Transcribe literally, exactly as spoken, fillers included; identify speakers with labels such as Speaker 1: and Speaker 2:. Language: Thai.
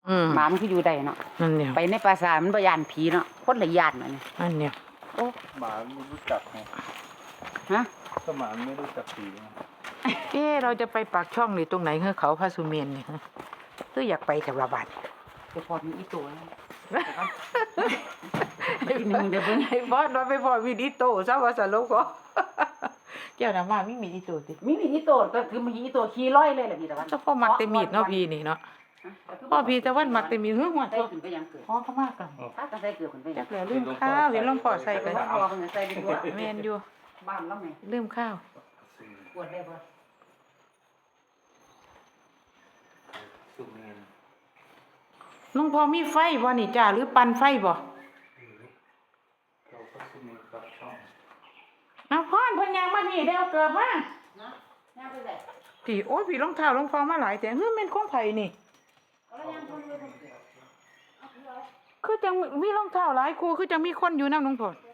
Speaker 1: หมามันคืออยู่ได้เนาะ
Speaker 2: นั่นเนี่ย
Speaker 1: ไปในปราสาทมันบ่ย่านผีเนาะคนละย่านอันนี้
Speaker 2: นั่นเนี่ย
Speaker 1: โอ้
Speaker 3: หมาไม่รู้จักไง
Speaker 1: ฮะ
Speaker 3: ก็หมาไม่รู้จักผี
Speaker 2: เอ๊เราจะไปปากช่องนี่ตรงไหนเฮ้เขาพระสุเมนนี่คืออยากไปกับระบาด
Speaker 1: ไปพอมีอีตัว
Speaker 2: ไอ้นึงเดี๋ยวเพิ่งไอ้บอสนอนไปพอมีอีโตซะว่าสรุปก็เจ้าน่ะมามีมีอีโตติ
Speaker 1: มีมีอีตัวก็คือมีอีตัวขี่ร้อยเลยแหละพี่ตะวัน
Speaker 2: เจ้าพ่อมักแต่มีดเนาะพี่นี่เนาะพ่อพี่ตะวันมักแต่มีดหัวหัว
Speaker 1: ใส่ขึ้นไปยังเกิด
Speaker 2: พ่อเขามากกัน
Speaker 1: ถ้าก็ใส่เกลือขึ้นไป
Speaker 2: จักแล้วลืมข้าวเห็นหลวงพ่อใส่กัน
Speaker 1: พ่อเพิ่นใส่ดีกว่า
Speaker 2: แม่นอยู่
Speaker 1: บ้านแล้วแม่
Speaker 2: ลืมข้าว
Speaker 1: ปวดได้บ่
Speaker 3: สุเมน
Speaker 2: หลวงพ่อมีไฟบ่นี่จ้าหรือปั่นไฟบ่
Speaker 3: เราก็สุเมนกับช่อง
Speaker 2: เอาพ่อนเพิ่นยังมานี่ได้เอาเกิดมา
Speaker 1: นะย่างไปได้
Speaker 2: พี่โอ้ยพี่รองเท้าหลวงพ่อมาหลายแต่เฮ้ยแม่นของไผนี่คือจังมีรองเท้าหลายคู่คือจังมีคนอยู่นำหลวงพ่อ